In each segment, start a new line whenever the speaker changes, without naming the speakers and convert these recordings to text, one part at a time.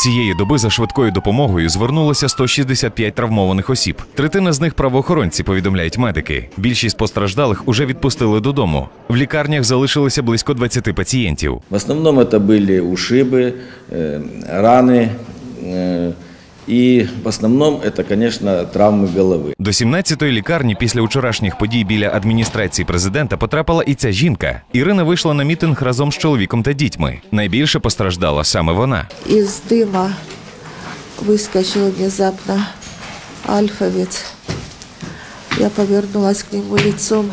Цієї доби за швидкою допомогою звернулося 165 травмованих осіб. Третина з них – правоохоронці, повідомляють медики. Більшість постраждалих уже відпустили додому. В лікарнях залишилося близько 20 пацієнтів.
В основному це були ушиби, рани. І в основному це, звісно, травми голови.
До 17-ї лікарні після вчорашніх подій біля адміністрації президента потрапила і ця жінка. Ірина вийшла на мітинг разом з чоловіком та дітьми. Найбільше постраждала саме вона.
Із дима вискочив внезапно альфовець. Я повернулась к нему лицом.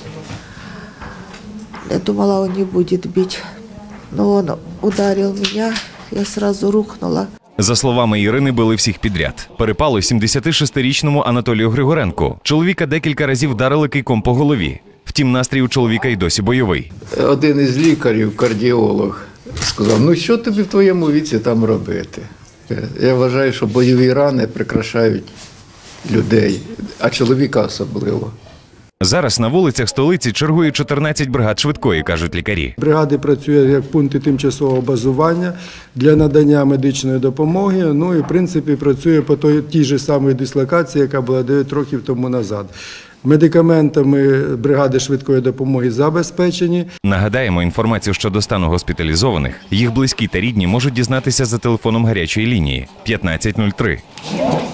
Я думала, он не будет бить. Но он ударил меня, я сразу рухнула.
За словами Ірини, били всіх підряд. Перепало 76-річному Анатолію Григоренку. Чоловіка декілька разів вдарили кийком по голові. Втім, настрій у чоловіка й досі бойовий.
Один із лікарів, кардіолог, сказав, ну що тобі в твоєму віці там робити? Я вважаю, що бойові рани прикрашають людей, а чоловіка особливо.
Зараз на вулицях столиці чергує 14 бригад швидкої, кажуть лікарі.
Бригади працюють як пункти тимчасового базування для надання медичної допомоги. Ну і, в принципі, працює по тій же самій дислокації, яка була 9 років тому назад. Медикаментами бригади швидкої допомоги забезпечені.
Нагадаємо, інформацію щодо стану госпіталізованих, їх близькі та рідні можуть дізнатися за телефоном гарячої лінії 1503.